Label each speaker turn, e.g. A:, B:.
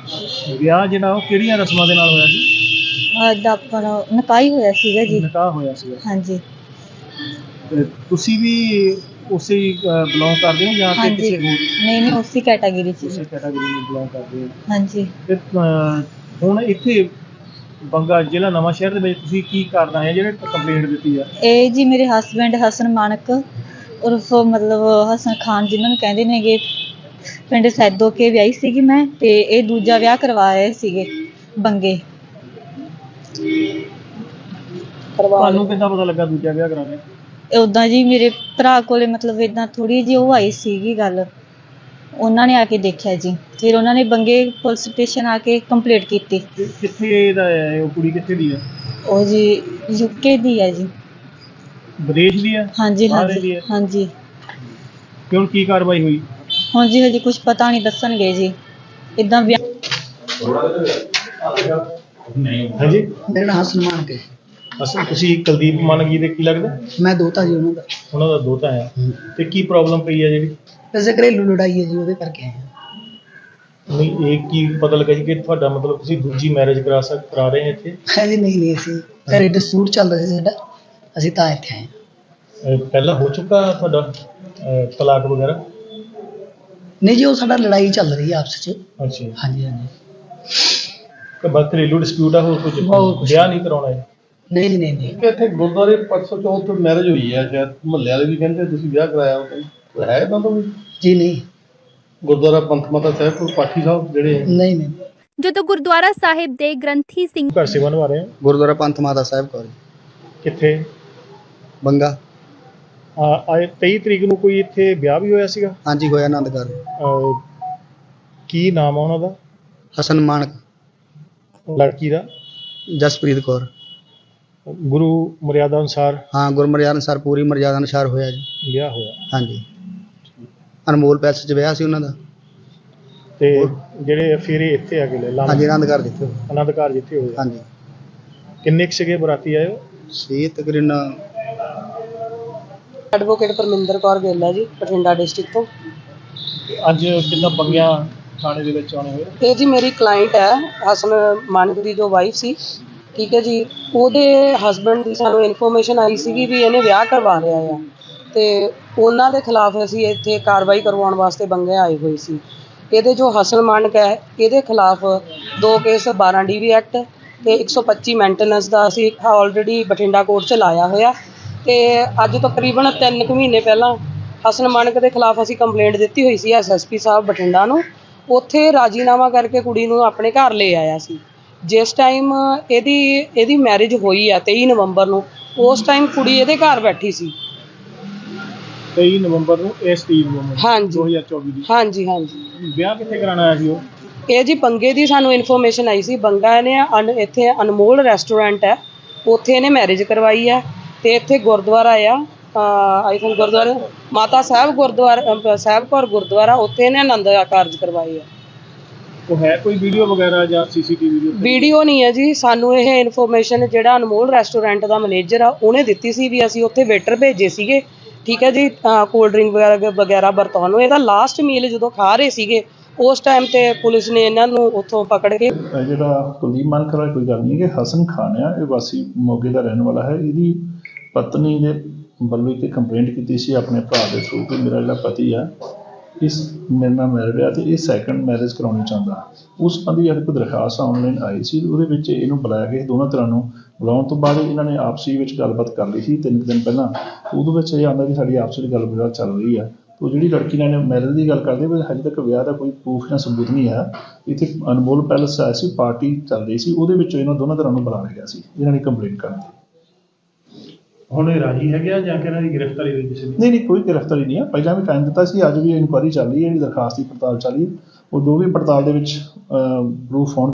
A: ਵਿਆਹ ਜਿਹੜਾ ਉਹ ਕਿਹੜੀਆਂ ਰਸਮਾਂ ਦੇ ਨਾਲ ਹੋਇਆ ਸੀ?
B: ਅੱਜ ਆਪਣਾ ਨਿਕਾਹ ਹੀ ਹੋਇਆ ਸੀਗਾ ਜੀ।
A: ਨਿਕਾਹ ਹੋਇਆ ਸੀਗਾ।
B: ਹਾਂਜੀ
A: ਤੇ ਤੁਸੀਂ ਵੀ ਉਸੇ ਬਿਲੋਂਗ ਕਰਦੇ ਹੋ ਜਾਂ ਕਿ
B: ਹਾਂਜੀ
A: ਕਿਸੇ ਹੋਰ
B: ਨਹੀਂ ਉਸੇ ਕੈਟਾਗਰੀ ਚ
A: ਉਸੇ
B: ਜੀ।
A: ਕੈਟਾਗਰੀ ਨੂੰ ਬਿਲੋਂਗ ਕਰਦੇ ਹੋ?
B: ਹਾਂਜੀ
A: ਤੇ ਹੁਣ ਇੱਥੇ ਬੰਗਾ ਜ਼ਿਲ੍ਹਾ ਨਵਾਂ ਸ਼ਹਿਰ ਦੇ ਵਿੱਚ ਤੁਸੀਂ ਕੀ ਕਰਨਾ ਹੈ ਜਿਹੜੇ ਕੰਪਲੇਂਟ ਦਿੱਤੀ ਆ?
B: ਇਹ ਜੀ ਮੇਰੇ ਹਸਬੈਂਡ ਹਸਨ ਮਾਨਕ ਉਰਫ ਮਤਲਬ ਹਸਨ ਖਾਨ ਜਿਨ੍ਹਾਂ ਨੂੰ ਕਹਿੰਦੇ ਨੇਗੇ, ਪਿੰਡ ਸੈਦੋ ਕੇ ਵਿਆਹੀ ਸੀਗੀ ਮੈਂ, ਤੇ ਇਹ ਦੂਜਾ ਵਿਆਹ ਕਰਵਾ ਰਹੇ ਸੀਗੇ ਬੰਗੇ।
A: ਤੁਹਾਨੂੰ ਕਿੱਦਾਂ ਪਤਾ ਲੱਗਾ ਦੂਜਾ ਵਿਆਹ ਕਰਾਉਣਾ?
B: ਉੱਦਾਂ ਜੀ ਮੇਰੇ ਭਰਾ ਕੋਲੇ ਮਤਲਬ ਇੱਦਾਂ ਥੋੜ੍ਹੀ ਜਿਹੀ ਉਹ ਆਈ ਸੀਗੀ ਗੱਲ, ਉਹਨਾਂ ਨੇ ਆ ਕੇ ਦੇਖਿਆ ਜੀ। ਫਿਰ ਉਹਨਾਂ ਨੇ ਬੰਗੇ ਪੁਲਿਸ ਸਟੇਸ਼ਨ ਆ ਕੇ ਕੰਪਲੇਂਟ ਕੀਤੀ।
A: ਕਿੱਥੇ ਦਾ ਹੈ ਉਹ ਕੁੜੀ, ਕਿੱਥੇ ਦੀ ਆ?
B: ਉਹ ਜੀ ਯੂਕੇ ਦੀ ਹੈ ਜੀ।
A: ਵਿਦੇਸ਼ ਦੀ ਆ?
B: ਹਾਂਜੀ
A: ਬਾਹਰ ਦੀ
B: ਹਾਂਜੀ
A: ਆ?
B: ਹਾਂਜੀ।
A: ਤੇ ਹੁਣ ਕੀ ਕਾਰਵਾਈ ਹੋਈ?
B: ਹੁਣ ਜੀ ਹਜੇ ਕੁਝ ਪਤਾ ਨਹੀਂ, ਦੱਸਣਗੇ ਜੀ। ਇੱਦਾਂ
A: ਹਾਂਜੀ,
C: ਮੇਰਾ ਨਾਮ ਹਸਨ ਮਾਨਕ ਹੈ।
A: ਅਸਲ ਤੁਸੀਂ ਕੁਲਦੀਪ ਮਾਨਕ ਜੀ ਦੇ ਕੀ ਲੱਗਦਾ?
C: ਮੈਂ ਦੋਤਾ ਜੀ ਉਹਨਾਂ ਦਾ।
A: ਉਹਨਾਂ ਦਾ ਦੋਤਾ ਆ। ਤੇ ਕੀ ਪ੍ਰੋਬਲਮ ਪਈ ਆ ਜਿਹੜੀ?
C: ਵੈਸੇ ਘਰੇਲੂ ਲੜਾਈ ਹੈ ਜੀ, ਉਹਦੇ ਕਰਕੇ ਆਏ ਹਾਂ।
A: ਨਹੀਂ, ਇਹ ਕੀ ਪਤਾ ਲੱਗਾ ਜੀ ਕਿ ਤੁਹਾਡਾ ਮਤਲਬ ਤੁਸੀਂ ਦੂਜੀ ਮੈਰਿਜ ਕਰਾ ਰਹੇ ਹੋ ਇੱਥੇ?
C: ਹਾਂਜੀ ਨਹੀਂ ਅਸੀਂ ਘਰੇ ਡਿਸਪਿਊਟ ਚੱਲ ਰਿਹਾ ਸੀ ਸਾਡਾ, ਅਸੀਂ ਤਾਂ ਇੱਥੇ ਆਏ ਹਾਂ।
A: ਪਹਿਲਾਂ ਹੋ ਚੁੱਕਾ ਤੁਹਾਡਾ ਤਲਾਕ ਵਗੈਰਾ?
C: ਨਹੀਂ ਜੀ, ਉਹ ਸਾਡਾ ਲੜਾਈ ਚੱਲ ਰਹੀ ਹੈ ਆਪਸ 'ਚ।
A: ਅੱਛਾ।
C: ਹਾਂਜੀ ਹਾਂਜੀ।
A: ਤੇ ਬਸ ਘਰੇਲੂ ਡਿਸਪਿਊਟ ਆ, ਹੋਰ ਕੁਝ?
C: ਹੋਰ ਕੁਛ
A: ਵਿਆਹ ਨਹੀਂ ਕਰਾਉਣਾ ਹੈ?
C: ਨਹੀਂ ਜੀ ਨਹੀਂ।
D: ਇੱਥੇ ਗੁਰਦੁਆਰੇ 504 ਤੋਂ ਮੈਰਿਜ ਹੋਈ ਹੈ, ਸ਼ਾਇਦ ਮੁਹੱਲੇ ਵਾਲੇ ਵੀ ਕਹਿੰਦੇ ਤੁਸੀਂ ਵਿਆਹ ਕਰਾਇਆ ਉਹ ਹੈ ਤਾਂ ਵੀ
C: ਜੀ ਨਹੀਂ।
D: ਗੁਰਦੁਆਰਾ ਪੰਥ ਮਾਤਾ ਸਾਹਿਬ ਕੋਲ ਪਾਠੀ ਸਾਹਿਬ ਜਿਹੜੇ
C: ਨਹੀਂ ਨਹੀਂ।
E: ਜਦੋਂ ਗੁਰਦੁਆਰਾ ਸਾਹਿਬ ਦੇ ਗ੍ਰੰਥੀ ਸਿੰਘ
A: ਘਰ ਸੇਵਾ ਨਿਭਾ ਰਹੇ ਹੋ?
F: ਗੁਰਦੁਆਰਾ ਪੰਥ ਮਾਤਾ ਸਾਹਿਬ ਕੋਲ
A: ਕਿੱਥੇ?
F: ਬੰਗਾ।
A: ਆਏ 23 ਤਰੀਕ ਨੂੰ ਕੋਈ ਇੱਥੇ ਵਿਆਹ ਵੀ ਹੋਇਆ ਸੀਗਾ?
F: ਹਾਂਜੀ ਹੋਇਆ ਆਨੰਦ ਘਰ।
A: ਕੀ ਨਾਮ ਆ ਉਹਨਾਂ ਦਾ?
F: ਹਸਨ ਮਾਨਕ।
A: ਲੜਕੀ ਦਾ?
F: ਜਸਪ੍ਰੀਤ ਕੌਰ।
A: ਗੁਰੂ ਮਰਿਆਦਾ ਅਨੁਸਾਰ?
F: ਹਾਂ, ਗੁਰਮਰਿਆਦਾ ਅਨੁਸਾਰ, ਪੂਰੀ ਮਰਿਆਦਾ ਅਨੁਸਾਰ ਹੋਇਆ ਜੀ
A: ਵਿਆਹ ਹੋਇਆ।
F: ਹਾਂਜੀ, ਅਨਮੋਲ ਪੈਲਸ 'ਚ ਵਿਆਹ ਸੀ ਉਹਨਾਂ ਦਾ।
A: ਤੇ ਜਿਹੜੇ ਫਿਰ ਇੱਥੇ ਆ ਕੇ ਲੈ ਲਾ?
F: ਹਾਂਜੀ, ਆਨੰਦ ਘਰ ਜਿੱਥੇ ਹੋਇਆ।
A: ਆਨੰਦ ਘਰ ਜਿੱਥੇ ਹੋਇਆ।
F: ਹਾਂਜੀ।
A: ਕਿੰਨੇ ਕੁ ਸੀਗੇ ਬਰਾਤੀ ਆਏ ਹੋ?
F: ਸੀ ਤਕਰੀਬਨ
G: ਐਡਵੋਕੇਟ ਪਰਮਿੰਦਰ ਕੌਰ ਵੇਲਾ ਜੀ, ਬਠਿੰਡਾ ਡਿਸਟ੍ਰਿਕਟ ਤੋਂ।
A: ਅੱਜ ਕਿੰਨਾ ਬੰਗਿਆ ਥਾਣੇ ਦੇ ਵਿੱਚ ਆਉਣੇ ਹੋਏ?
G: ਇਹ ਜੀ ਮੇਰੀ ਕਲਾਇੰਟ ਹੈ ਹਸਨ ਮਾਨਕ ਦੀ ਜੋ ਵਾਈਫ ਸੀ, ਠੀਕ ਹੈ ਜੀ। ਉਹਦੇ ਹਸਬੈਂਡ ਦੀ ਸਾਨੂੰ ਇਨਫੋਰਮੇਸ਼ਨ ਆਈ ਸੀਗੀ ਵੀ ਇਹਨੇ ਵਿਆਹ ਕਰਵਾ ਲਿਆ ਆ, ਤੇ ਉਹਨਾਂ ਦੇ ਖਿਲਾਫ ਅਸੀਂ ਇੱਥੇ ਕਾਰਵਾਈ ਕਰਵਾਉਣ ਵਾਸਤੇ ਬੰਗੇ ਆਏ ਹੋਏ ਸੀ। ਇਹਦੇ ਜੋ ਹਸਨ ਮਾਨਕ ਹੈ ਇਹਦੇ ਖਿਲਾਫ 2 ਕੇਸ 12 DV ਐਕਟ ਤੇ 125 ਮੇਨਟੇਨੈਂਸ ਦਾ ਅਸੀਂ ਆਲਰੇਡੀ ਬਠਿੰਡਾ ਕੋਰਟ 'ਚ ਲਾਇਆ ਹੋਇਆ। ਤੇ ਅੱਜ ਤਕਰੀਬਨ 3 ਕੁ ਮਹੀਨੇ ਪਹਿਲਾਂ ਹਸਨ ਮਾਨਕ ਦੇ ਖਿਲਾਫ ਅਸੀਂ ਕੰਪਲੇਂਟ ਦਿੱਤੀ ਹੋਈ ਸੀ SSP ਸਾਹਿਬ ਬਠਿੰਡਾ ਨੂੰ। ਉੱਥੇ ਰਾਜੀਨਾਮਾ ਕਰਕੇ ਕੁੜੀ ਨੂੰ ਆਪਣੇ ਘਰ ਲੈ ਆਇਆ ਸੀ। ਜਿਸ ਟਾਈਮ ਇਹਦੀ ਮੈਰਿਜ ਹੋਈ ਆ 23 ਨਵੰਬਰ ਨੂੰ, ਉਸ ਟਾਈਮ ਕੁੜੀ ਇਹਦੇ ਘਰ ਬੈਠੀ ਸੀ।
A: 23 ਨਵੰਬਰ ਨੂੰ ਇਸ ਤਰੀਕ ਨੂੰ?
G: ਹਾਂਜੀ
A: 2024 ਦੀ?
G: ਹਾਂਜੀ ਹਾਂਜੀ।
A: ਵਿਆਹ ਕਿੱਥੇ ਕਰਾਉਣਾ ਆਇਆ ਸੀ ਉਹ?
G: ਇਹ ਜੀ ਬੰਗੇ ਦੀ ਸਾਨੂੰ ਇਨਫੋਰਮੇਸ਼ਨ ਆਈ ਸੀ। ਬੰਗਾ ਨੇ ਇੱਥੇ ਅਨਮੋਲ ਰੈਸਟੋਰੈਂਟ ਹੈ, ਉੱਥੇ ਇਹਨੇ ਮੈਰਿਜ ਕਰਵਾਈ ਹੈ। ਤੇ ਇੱਥੇ ਗੁਰਦੁਆਰਾ ਆ ਆਈ ਥਿੰਕ ਗੁਰਦੁਆਰਾ ਮਾਤਾ ਸਾਹਿਬ, ਗੁਰਦੁਆਰਾ ਸਾਹਿਬ ਕੌਰ ਗੁਰਦੁਆਰਾ, ਉੱਥੇ ਇਹਨੇ ਆਨੰਦ ਕਾਰਜ ਕਰਵਾਏ ਆ।
A: ਉਹ ਹੈ ਕੋਈ ਵੀਡੀਓ ਵਗੈਰਾ ਜਾਂ CCTV?
G: ਵੀਡੀਓ ਨਹੀਂ ਹੈ ਜੀ, ਸਾਨੂੰ ਇਹ ਇਨਫੋਰਮੇਸ਼ਨ ਜਿਹੜਾ ਅਨਮੋਲ ਰੈਸਟੋਰੈਂਟ ਦਾ ਮੈਨੇਜਰ ਆ ਉਹਨੇ ਦਿੱਤੀ ਸੀ ਵੀ ਅਸੀਂ ਉੱਥੇ ਵੇਟਰ ਭੇਜੇ ਸੀਗੇ, ਠੀਕ ਹੈ ਜੀ, ਕੋਲਡ ਡਰਿੰਕ ਵਗੈਰਾ ਵਰਤਾਉਣ ਨੂੰ। ਇਹਦਾ ਲਾਸਟ ਮੀਲ ਜਦੋਂ ਖਾ ਰਹੇ ਸੀਗੇ ਉਸ ਟਾਈਮ ਤੇ ਪੁਲਿਸ ਨੇ ਇਹਨਾਂ ਨੂੰ ਉੱਥੋਂ ਪਕੜ ਕੇ।
H: ਜਿਹੜਾ ਕੁਲਦੀਪ ਮਾਨਕ ਵਾਲਾ ਕੋਈ ਗੱਲ ਨਹੀਂ ਕਿ ਹਸਨ ਖਾਨ ਆ, ਇਹ ਵਾਸੀ ਮੋਗੇ ਦਾ ਰਹਿਣ ਵਾਲਾ ਹੈ। ਇਹਦੀ ਪਤਨੀ ਦੇ ਵੱਲੋਂ ਇੱਕ ਕੰਪਲੇਂਟ ਕੀਤੀ ਸੀ ਆਪਣੇ ਭਰਾ ਦੇ ਥਰੂ ਕਿ ਮੇਰਾ ਜਿਹੜਾ ਪਤੀ ਆ ਇਸ ਮੇਰੇ ਨਾਲ ਮੈਰਿਡ ਆ ਅਤੇ ਇਹ ਸੈਕੰਡ ਮੈਰਿਜ ਕਰਾਉਣੀ ਚਾਹੁੰਦਾ। ਉਸ ਸੰਬੰਧੀ ਇੱਕ ਦਰਖਾਸਤ ਆਨਲਾਈਨ ਆਈ ਸੀ, ਉਹਦੇ ਵਿੱਚ ਇਹਨੂੰ ਬੁਲਾਇਆ ਗਿਆ। ਦੋਨਾਂ ਤਰ੍ਹਾਂ ਨੂੰ ਬੁਲਾਉਣ ਤੋਂ ਬਾਅਦ ਇਹਨਾਂ ਨੇ ਆਪਸੀ ਵਿੱਚ ਗੱਲਬਾਤ ਕਰ ਲਈ ਸੀ 3 ਦਿਨ ਪਹਿਲਾਂ। ਉਹਦੇ ਵਿੱਚ ਇਹ ਆਉਂਦਾ ਕਿ ਸਾਡੀ ਆਪਸ ਵਿੱਚ ਗੱਲਬਾਤ ਚੱਲ ਰਹੀ ਆ। ਉਹ ਜਿਹੜੀ ਲੜਕੀ ਨਾਲ ਮੈਰਿਜ ਦੀ ਗੱਲ ਕਰਦੇ ਵੀ ਹਜੇ ਤੱਕ ਵਿਆਹ ਦਾ ਕੋਈ ਪ੍ਰੂਫ ਜਾਂ ਸਬੂਤ ਨਹੀਂ ਹੈ। ਇੱਥੇ ਅਨਮੋਲ ਪੈਲਸ ਆਇਆ ਸੀ, ਪਾਰਟੀ ਚੱਲ ਰਹੀ ਸੀ, ਉਹਦੇ ਵਿੱਚ ਇਹਨਾਂ ਦੋਨਾਂ ਤਰ੍ਹਾਂ ਨੂੰ ਬੁਲਾ ਲਿਆ ਸੀ ਇਹਨਾਂ ਨੇ ਕੰਪਲੇਂਟ ਕਰਨ ਦੀ।
A: ਹੁਣ ਇਹ ਰਾਜੀ ਹੈਗੇ ਜਾਂ ਕਿ ਇਹਨਾਂ ਦੀ ਗ੍ਰਿਫਤਾਰੀ ਹੋਈ ਕਿਸੇ ਦੀ?
H: ਨਹੀਂ, ਕੋਈ ਗ੍ਰਿਫਤਾਰੀ ਨਹੀਂ ਹੈ। ਪਹਿਲਾਂ ਵੀ ਟਾਈਮ ਦਿੱਤਾ ਸੀ, ਅੱਜ ਵੀ ਇਨਕੁਆਇਰੀ ਚੱਲ ਰਹੀ ਹੈ, ਜਿਹੜੀ ਦਰਖਾਸਤ ਦੀ ਪੜਤਾਲ ਚੱਲ ਰਹੀ ਹੈ। ਉਹ ਜੋ ਵੀ ਪੜਤਾਲ ਦੇ ਵਿੱਚ ਪ੍ਰੂਫ ਹੋਣ